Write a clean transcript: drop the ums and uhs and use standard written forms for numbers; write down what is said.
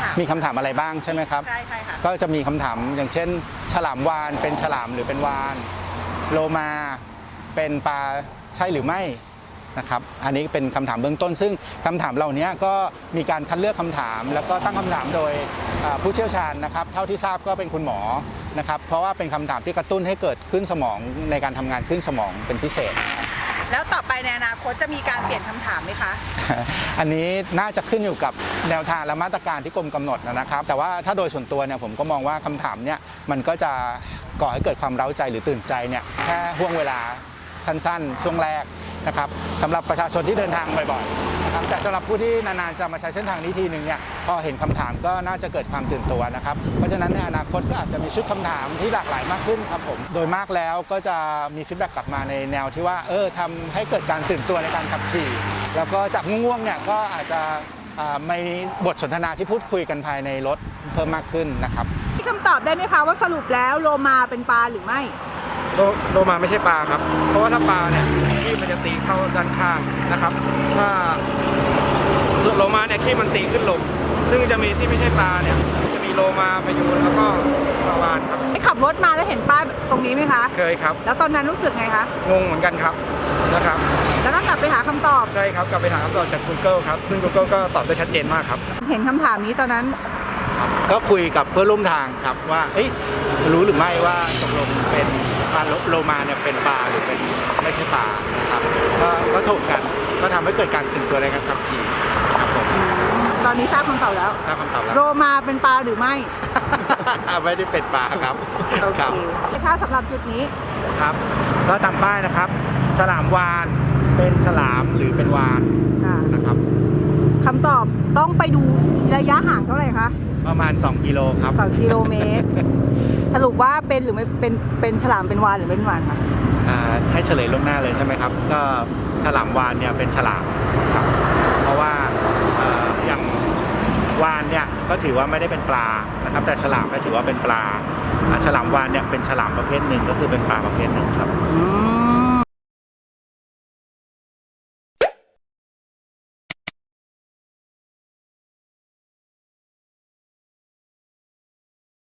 มีคำถามอะไรบ้างใช่ไหมครับใช่ค่ะก็จะมีคำถามอย่างเช่นฉลามวาฬเป็นฉลามหรือเป็นวาฬโลมาเป็นปลาใช่หรือไม่นะครับอันนี้เป็นคำถามเบื้องต้นซึ่งคำถามเหล่านี้ก็มีการคัดเลือกคำถามแล้วก็ตั้งคำถามโดยผู้เชี่ยวชาญนะครับเท่าที่ทราบก็เป็นคุณหมอนะครับเพราะว่าเป็นคำถามที่กระตุ้นให้เกิดขึ้นสมองในการทำงานขึ้นสมองเป็นพิเศษแล้วต่อไปในอนาคตจะมีการเปลี่ยนคำถามไหมคะอันนี้น่าจะขึ้นอยู่กับแนวทางและมาตรการที่กรมกำหนดนะครับแต่ว่าถ้าโดยส่วนตัวเนี่ยผมก็มองว่าคำถามเนี่ยมันก็จะก่อให้เกิดความเร้าใจหรือตื่นใจเนี่ยแค่ห่วงเวลาสั้นๆช่วงแรกนะครับสำหรับประชาชนที่เดินทางบ่อยๆนะครับแต่สำหรับผู้ที่นานๆจะมาใช้เส้นทางนี้ทีนึงเนี่ยพอเห็นคำถามก็น่าจะเกิดความตื่นตัวนะครับเพราะฉะนั้นในอนาคตก็อาจจะมีชุดคำถามที่หลากหลายมากขึ้นครับผมโดยมากแล้วก็จะมีฟีดแบ็กกลับมาในแนวที่ว่าทำให้เกิดการตื่นตัวในการขับขี่แล้วก็จากง่วงๆเนี่ยก็อาจจะมีบทสนทนาที่พูดคุยกันภายในรถเพิ่มมากขึ้นนะครับมีคำตอบได้ไหมคะว่าสรุปแล้วโลมาเป็นปลาหรือไม่โลมาไม่ใช่ปลาครับเพราะว่าถ้าปลาเนี่ยขี้มันจะตีเข้าด้านข้างนะครับถ้าโลมาเนี่ยขี้มันตีขึ้นลงซึ่งจะมีที่ไม่ใช่ปลาเนี่ยจะมีโลมาพยูนแล้วก็ปลาวาฬครับได้ขับรถมาแล้วเห็นป้ายตรงนี้ไหมคะเคยครับแล้วตอนนั้นรู้สึกไงคะงงเหมือนกันครับนะครับแล้วก็กลับไปหาคำตอบใช่ครับกลับไปหาคำตอบจาก Google ครับซึ่ง Google ก็ตอบได้ชัดเจนมากครับเห็นคำถามนี้ตอนนั้นก็คุยกับเพื่อนร่วมทางครับว่ารู้หรือไม่ว่าตกลงเป็นปลาโลมาเนี่ยเป็นปลาหรือเป็นไม่ใช่ปลานะครับก็ถกกันก็ทำให้เกิดการตื่นตัวในการขับขี่ครับผมตอนนี้ทราบคำตอบแล้วโลมาเป็นปลาหรือไม่ไม่ได้เป็นปลาครับครับถ้าสำหรับจุดนี้ครับก็ตามป้ายนะครับฉลามวาฬเป็นฉลามหรือเป็นวาฬนะครับคำตอบต้องไปดูระยะห่างเท่าไหร่คะประมาณ2 กิโลครับ 2 กิโลเมตรสรุปว่าเป็นหรือไม่เป็นฉลามเป็นวาฬหรือเป็นวาฬคะให้เฉลยล่วงหน้าเลยใช่ไหมครับก็ฉลามวาฬเนี่ยเป็นฉลามครับเพราะว่าอย่างวาฬเนี่ยก็ถือว่าไม่ได้เป็นปลานะครับแต่ฉลามก็ถือว่าเป็นปลาฉลามวาฬเนี่ยเป็นฉลามประเภทหนึ่งก็คือเป็นปลาประเภทหนึ่งครับ